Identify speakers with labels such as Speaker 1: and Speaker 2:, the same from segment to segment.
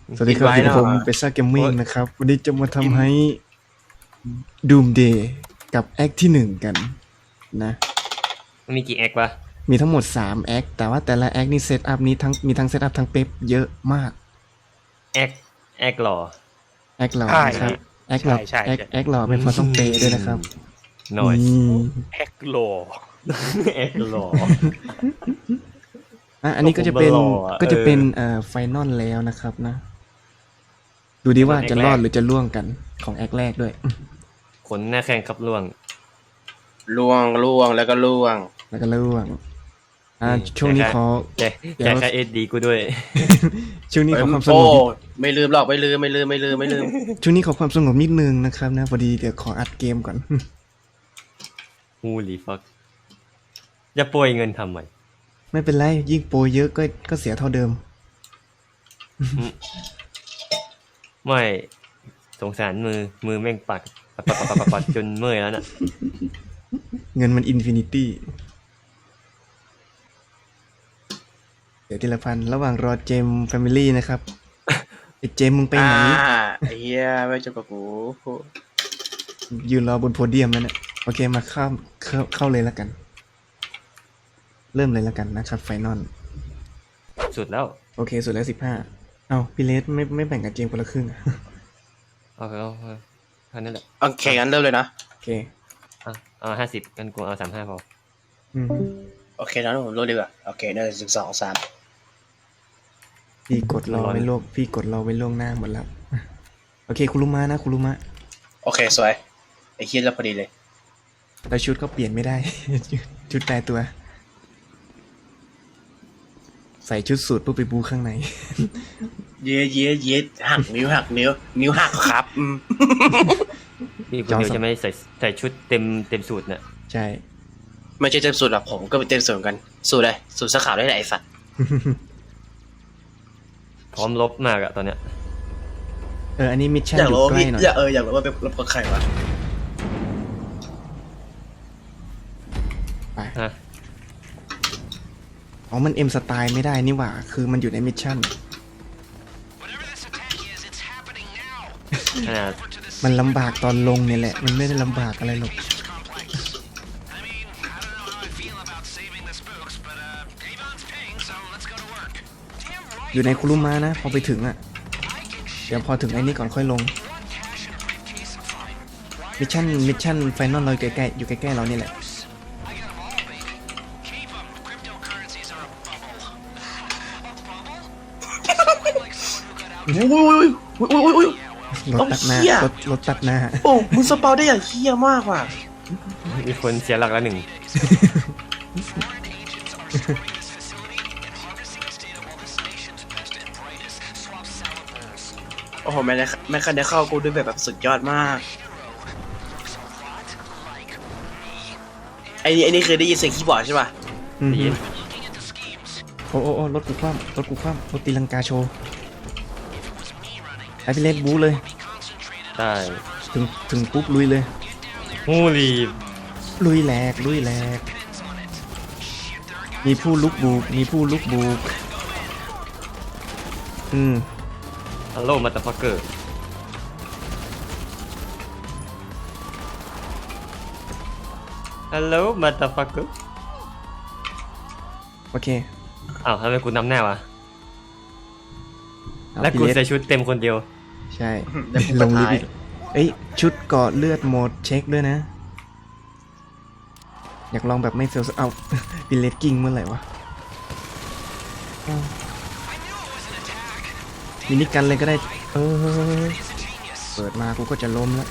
Speaker 1: สวัสดีครับอยู่กับผมเปซ่าเกมมิ่งนะครับวันนี้จะมาทำให้ Doomsday กับแอคที่1กันนะ
Speaker 2: มันมีกี่แอควะ
Speaker 1: มีทั้งหมด3แอคแต่ว่าแต่ละแอคนี่เซตอัพนี้มีทั้งเซตอัพทั้งเป๊ปเยอะมาก
Speaker 2: แอคหล่อ
Speaker 1: แอคหล่อนะครับแอคหล่อแอคหล่อเป็นเพราะต้องเปย์ด้วยนะครับ
Speaker 2: หน่อย
Speaker 3: แอคหล่อ
Speaker 2: แอคหล่อ
Speaker 1: อันนี้ก็จะเป็นไฟนอลแล้วนะครับนะดูดีว่าจะรอดหรือจะล่วงกันของแอคแรกด้วย
Speaker 2: ขนหน้าแข้งครับล่วง
Speaker 3: แล้วก็ล่วง
Speaker 1: ช่วงนี้ขอ
Speaker 2: แจกค่าSDกูด้วย
Speaker 1: ช่วงนี้ขอความสงบ
Speaker 3: ไม่ลืมหรอกไม่ลืม
Speaker 1: ช่วงนี้ขอความสงบนิดนึงนะครับนะพอดีเดี๋ยวขออัดเกมก่อน
Speaker 2: Holy fuck จะโปรยเงินทำไม
Speaker 1: ไม่เป็นไรยิ่งโปรเยอะก็เสียเท่าเดิม
Speaker 2: ไม่สงสารมือแม่งปัดจนเมื่อยแล้วน่ะ
Speaker 1: เงินมันอินฟินิตี้เดี๋ยวทีละพันระหว่างรอเจมแฟมิลี่นะครับไอเจมมึงไปไหน
Speaker 3: ไอ้เหี้ยไม่จบกับกู
Speaker 1: ยืนรอบนโพเดียมแล้วเนี่ยโอเคมาเข้าเลยแล้วกันเริ่มเลยแล้วกันนะครับไฟนอล
Speaker 2: สุดแล้ว
Speaker 1: โอเคสุดแล้ว15เอาพี่เลสไม่แบ่งกับเจมคนละครึ่ง
Speaker 2: เอาเท่านั้นแหละ
Speaker 3: โอเคงั้นเริ่มเลยนะ
Speaker 1: โอเค
Speaker 2: เอา50กันกูเอา35พอ
Speaker 3: โอเคนะผมเริ่มดีกว่าโอเค1 2 3
Speaker 1: พี่กดรอไว้ล่วงหน้าหมดแล้วโอเคคุรุมะนะคุรุมะ
Speaker 3: โอเคสวยไอ้เหี้ยแล้วพอดีเลย
Speaker 1: แล้วชุดก็เปลี่ยนไม่ได้ ชุดตายตัวใส่ชุดสูทปุ๊บไปบูข้างใน
Speaker 3: เย้หักนิ้วหักครับ
Speaker 2: นี่คุณเดียวจะไม่ใส่ชุดเต็มสูตรน่ะ
Speaker 1: ใช่
Speaker 3: ไม่ใช่เต็มสูตรหรอกผมก็เป็นเต็มสูตรกันสูตรเลยสูตรสขาวได้ไหนไอ้สัตว์
Speaker 2: พร้อมลบมากอะตอนเนี้ย
Speaker 1: อันนี้มิชชั่นอยู่ใกล้หน่อย
Speaker 3: อยากรู้ว่าเป็นรบกับใครวะ
Speaker 1: ไปอ๋อมันเอ็มสไตล์ไม่ได้นี่หว่าคือมันอยู่ในมิชชั่นมันลำบากตอนลงเนี่ยแหละมันไม่ได้ลำบากอะไรหรอกอยู่ในคุรุมะนะพอไปถึงอ่ะเดี๋ยวพอถึงไอ้นี่ก่อนค่อยลงมิชชั่นไฟนอลเราอยู่ใกล้เรานี่แหละรถตัดหน้า
Speaker 3: โอ้มึงสปาวได้อย่างเหี้ยมากว่ะ
Speaker 2: มีคนเสียหลักแล้ว1
Speaker 3: โอ้โหแม่คันได้เข้ากูด้วยแบบสุดยอดมากไอ้นี่คือได้ยินเสียงคีย์บอร์ดใช่ป่ะ
Speaker 1: โอ้รถกูคว่ำรถตีลังกาโชว์ไอพี่เล็กบู๊เลย
Speaker 2: ใช่
Speaker 1: ถึงปุ๊บลุยเลยลุยแหลกมีผู้ลุกบูก
Speaker 2: ฮัลโหลมาตาฟักเกอร์ฮัลโหลมาตาฟักเกอร์
Speaker 1: โอเค
Speaker 2: อ้าวทำไมกูนำหน้าวะแล้วกูใส่ชุดเต็มคนเดียว
Speaker 1: ใช่ลงลิฟต์ชุดเกาะเลือดโหมดเช็คด้วยนะอยากลองแบบไม่เฟลเอาปิเลตกิ้งเมื่อไหร่วะมินิกันเลยก็ได้เปิดมากูก็จะล้มแล้ว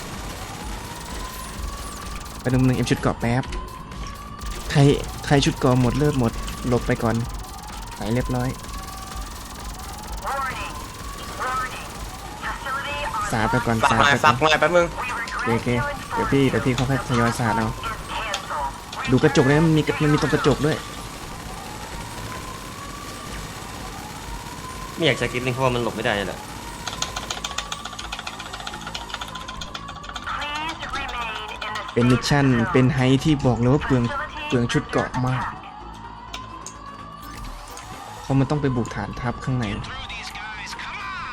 Speaker 1: ไปดู1เอ็มชุดเกาะแป๊บใครชุดเกาะหมดเลือดหมดหลบไปก่อนใส่เรียบร้อยสาดไปก่อน
Speaker 3: ฟักมาแป๊บนึง
Speaker 1: โอเคเดี๋ยวพี่เขาค่อยทยอยสาดเอาดูกระจกเลยมันมีตรงกระจกด้วย
Speaker 2: ไม่อยากจะกินลิงเพราะว่ามันหลบไม่ได้แหละ
Speaker 1: เป็นมิชชั่นเป็นไฮที่บอกเลยว่าเปลืองชุดเกาะมากเพราะมันต้องไปบุกฐานทัพข้างใน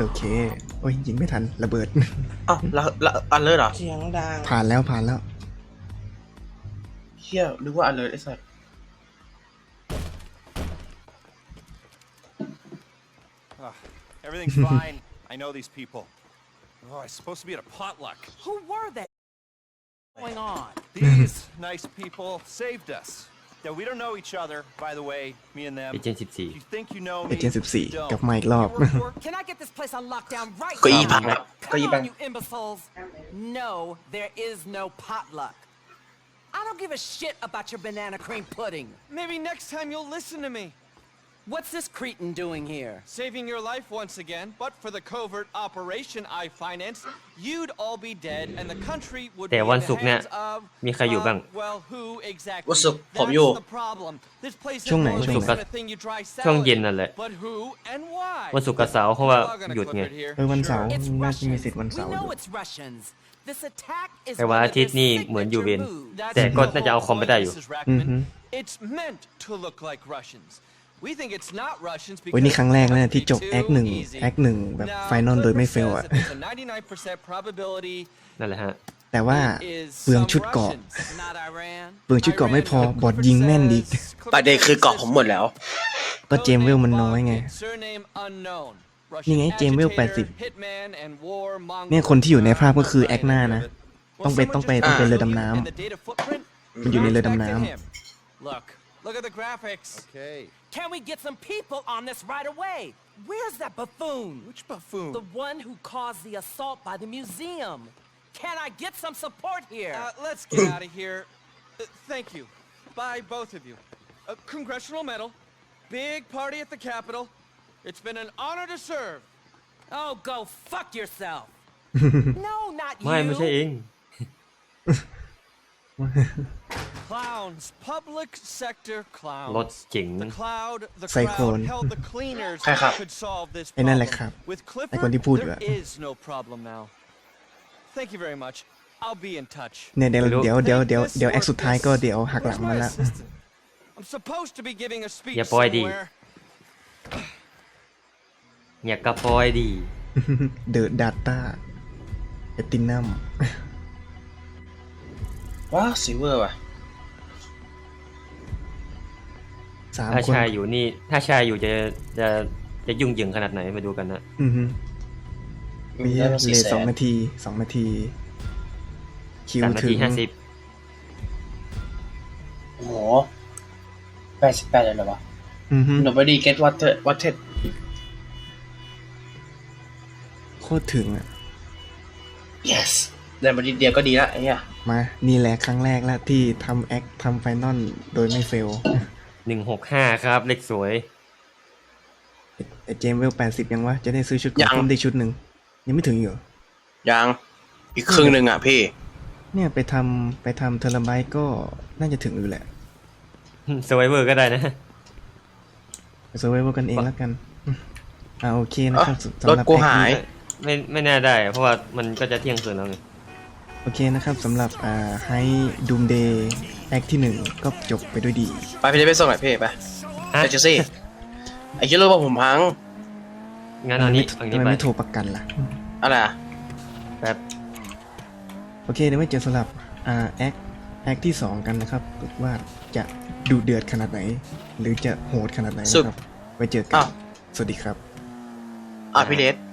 Speaker 1: โอเค โอ้ยยิงไม่ทันระเบิด
Speaker 3: อ้าวแล้วอันเลิศเหรอ
Speaker 4: เสียงดัง
Speaker 1: ผ่านแล้วผ่านแล้ว
Speaker 3: เฮียนึกว่าอันเลิศไอ้สัส
Speaker 5: Everything's fine. I know these people. Oh, I was supposed to be at a potluck.
Speaker 6: Who were they? Going on?
Speaker 5: These nice people saved us. Yeah, we don't know each other, by the way, me and them.
Speaker 2: เอเจนต์
Speaker 5: If you think you know
Speaker 1: เอ
Speaker 5: me,
Speaker 1: เจนต์
Speaker 5: you
Speaker 1: 14
Speaker 5: don't.
Speaker 1: กลับมาอีกรอบ
Speaker 5: You work for-
Speaker 6: Can I get this place on lockdown right
Speaker 3: เก็อี
Speaker 6: now?
Speaker 3: พังครับเก็อี
Speaker 6: Come
Speaker 3: พัง
Speaker 6: on, you imbeciles. No, there is no potluck. I don't give a shit about your banana cream pudding.
Speaker 4: Maybe next time you'll listen to me.
Speaker 6: What's this cretin doing here?
Speaker 4: Saving your life once again, but for the covert operation I financed, you'd all be dead and the country would
Speaker 2: แต่
Speaker 4: be in
Speaker 2: วัน
Speaker 4: the
Speaker 2: ศุกร์เนี่ย
Speaker 4: hands of
Speaker 2: มีใครอยู่บ้าง
Speaker 4: well, who exactly?
Speaker 3: วันศุกร์ผม
Speaker 4: That's
Speaker 3: อยู่
Speaker 4: the problem. This place is
Speaker 1: ช่วงไหน
Speaker 4: more
Speaker 1: ช่วงไหน
Speaker 4: than a thing you dry
Speaker 2: ช่วง
Speaker 4: salad
Speaker 2: เย็น
Speaker 4: in.
Speaker 2: นั่นแหละ
Speaker 4: But who and why?
Speaker 2: วันศุกร์กับเสาร์เพราะว่า
Speaker 4: We're all gonna
Speaker 2: หยุด
Speaker 4: clip
Speaker 2: ไง
Speaker 4: it here.
Speaker 1: วันเสาร์
Speaker 6: It's
Speaker 1: น่าจะมี
Speaker 6: Russians.
Speaker 1: สิทธิ์วัน
Speaker 6: We
Speaker 1: เสาร์
Speaker 6: know it's Russians. This attack is
Speaker 2: แต่วัน
Speaker 6: one
Speaker 2: อา
Speaker 6: of
Speaker 2: ทิตย์
Speaker 6: their
Speaker 2: นี่เหมือนอยู่เวร
Speaker 6: signature moves.
Speaker 4: That's
Speaker 2: แต่ก็
Speaker 4: the
Speaker 2: น่าจะเอา
Speaker 4: whole
Speaker 2: คอมไปได้อยู่
Speaker 4: point, Mrs. Rackman.
Speaker 1: อือฮึ
Speaker 4: It's meant to look like Russians. We think it's not Russians
Speaker 1: โอ้ยนี่
Speaker 4: because
Speaker 1: ครั้งแรก
Speaker 4: it
Speaker 1: นะ
Speaker 4: would
Speaker 1: ที่
Speaker 4: be
Speaker 1: จบ
Speaker 4: too
Speaker 1: แอคหนึ่ง
Speaker 4: easy.
Speaker 1: แอคหนึ่งแบบ
Speaker 4: Now,
Speaker 1: ไฟนอลโดยไม่
Speaker 4: Clifford
Speaker 1: เฟล
Speaker 4: says
Speaker 1: อะ
Speaker 4: that there's a 99% probability
Speaker 2: นั่นแหละฮะ
Speaker 1: แต่ว่า
Speaker 4: it is
Speaker 1: เปลือง
Speaker 4: some
Speaker 1: ชุดเกราะ
Speaker 4: Russians.
Speaker 6: Not Iran.
Speaker 1: เปลืองชุดเกราะไม่พอ
Speaker 4: Iran,
Speaker 1: บอดยิงแม่นอีก
Speaker 4: Clifford
Speaker 3: ประเด็นคือเกาะผมหมดแล้ว
Speaker 1: ก็เจมเวลมันน้อยไง
Speaker 4: Surname unknown.
Speaker 1: นี่ไง
Speaker 4: Russian
Speaker 1: เจมเวล
Speaker 4: agitator,
Speaker 1: 80
Speaker 4: hitman and war mongol.
Speaker 1: เนี่ยคนที่อยู่ในภาพก็คือแอคหน้านะ ต้องไปเรือดำน้ำ
Speaker 4: And the data footprint?
Speaker 1: มันอยู่ในเรือดำน้
Speaker 4: Contact him. Look at the graphics.
Speaker 5: Okay.
Speaker 6: Can we get some people on this right away? Where's that buffoon?
Speaker 5: Which buffoon?
Speaker 6: The one who caused the assault by the museum. Can I get some support here?
Speaker 4: Let's get out of here. Thank you. Bye, both of you. Congressional medal. Big party at the Capitol. It's been an honor to serve.
Speaker 6: Oh, go fuck yourself. No, not
Speaker 2: ไม่ไม่ใช่
Speaker 6: you.
Speaker 2: เอง
Speaker 4: Clowns. Public sector
Speaker 2: รถ
Speaker 4: clowns.
Speaker 2: เจ๋ง
Speaker 4: The cloud, the
Speaker 1: Cyclone.
Speaker 4: crowd held the cleaners
Speaker 3: ใครครับ
Speaker 4: could solve this
Speaker 1: ไอ้นั่นแหละ
Speaker 4: problem.
Speaker 1: ครับ
Speaker 4: With
Speaker 1: ไอ้คนที่พูดอยู่
Speaker 4: Clifford,
Speaker 1: อะ
Speaker 4: there is no problem now. Thank you very much. I'll be in touch.
Speaker 1: เนี่ยเดี๋ยว
Speaker 2: ไม่รู้
Speaker 1: เดี๋ยวแอคสุดท้ายก็เดี๋ยวหักหลัง
Speaker 4: Where's
Speaker 1: มัน
Speaker 4: my
Speaker 1: ละ
Speaker 4: assistant? I'm supposed to be giving a speech
Speaker 2: อย่าปล่อยดิ
Speaker 4: somewhere.
Speaker 2: อย่ากระปอยดี
Speaker 1: เดอะดาต้าเอตินัม
Speaker 3: ว้าวซิเวอร์ว่ะ
Speaker 1: 3
Speaker 2: ถ้า
Speaker 1: คน
Speaker 2: ชายอยู่นี่ ถ้าชายอยู่จะยุ่งเหยิงขนาดไหนมาดูกันนะ
Speaker 1: อือฮึมี
Speaker 3: ได้มา
Speaker 1: เล
Speaker 3: 400,000
Speaker 1: 2 นาที 2 นาที คิว
Speaker 2: 3 นา
Speaker 1: ถึ
Speaker 2: ที
Speaker 1: ง
Speaker 2: 50
Speaker 3: โอ้โห88เลยเหรอวะ
Speaker 1: อือฮึ
Speaker 3: Nobody get water
Speaker 1: โคตรถึงอ่ะ
Speaker 3: yes ได้มาทีเดียวก็ดีละไอ้เหี้ย
Speaker 1: มา นี่แหละครั้งแรกแล้วที่ทำแอคทำไฟนอลโดยไม่เฟล
Speaker 2: 165 ครับ เลขสวย
Speaker 1: ไอ้เจมเวล80 ยังวะ จะได้ซื้อชุดเกราะเพิ่มได้ชุดหนึ่ง ยังไม่ถึงอยู่
Speaker 3: ยังอีกครึ่งหนึ่งอ่ะพี่
Speaker 1: เนี่ยไปทำเทอร์ไบต์ก็น่าจะถึงอยู่แหละ
Speaker 2: สไวเวอร์ก็ได้นะ
Speaker 1: ไปเซอร์ไวเวอร์กันเองแล้วกันโอเคนะครับสำ
Speaker 3: รถ
Speaker 1: หรับ
Speaker 3: กู
Speaker 1: แอค
Speaker 3: หาย
Speaker 1: นี้
Speaker 2: ไม่น่าได้ เพราะว่ามันก็จะเที่ยงคืนแล้วไง
Speaker 1: โอเคนะครับสำหรับไฮดูมเดย์แอคที่ 1 ก็จบไปด้วยดี
Speaker 3: ไปพี่ไปส่งหน่อยพี่ไป
Speaker 2: ฮะ
Speaker 3: ไปเจสซี่ไอ้คิดรู้ว่าผมพัง
Speaker 2: งั้นเอานี้
Speaker 1: ทำ
Speaker 2: เอา
Speaker 1: ไม
Speaker 2: นี้ไป
Speaker 1: ไม่โทรประกันล่ะ
Speaker 3: อะไรอ่ะ
Speaker 2: แป๊บ
Speaker 1: โอเคเดี๋ยวไว้เจอสำหรับแอคที่ 2 กันนะครับว่าจะดุเดือดขนาดไหน หรือจะโหดขนาดไหนนะครับ ไว้เจอกั
Speaker 3: อ้าน ว
Speaker 1: สวัสดีครับ
Speaker 3: พี่เดช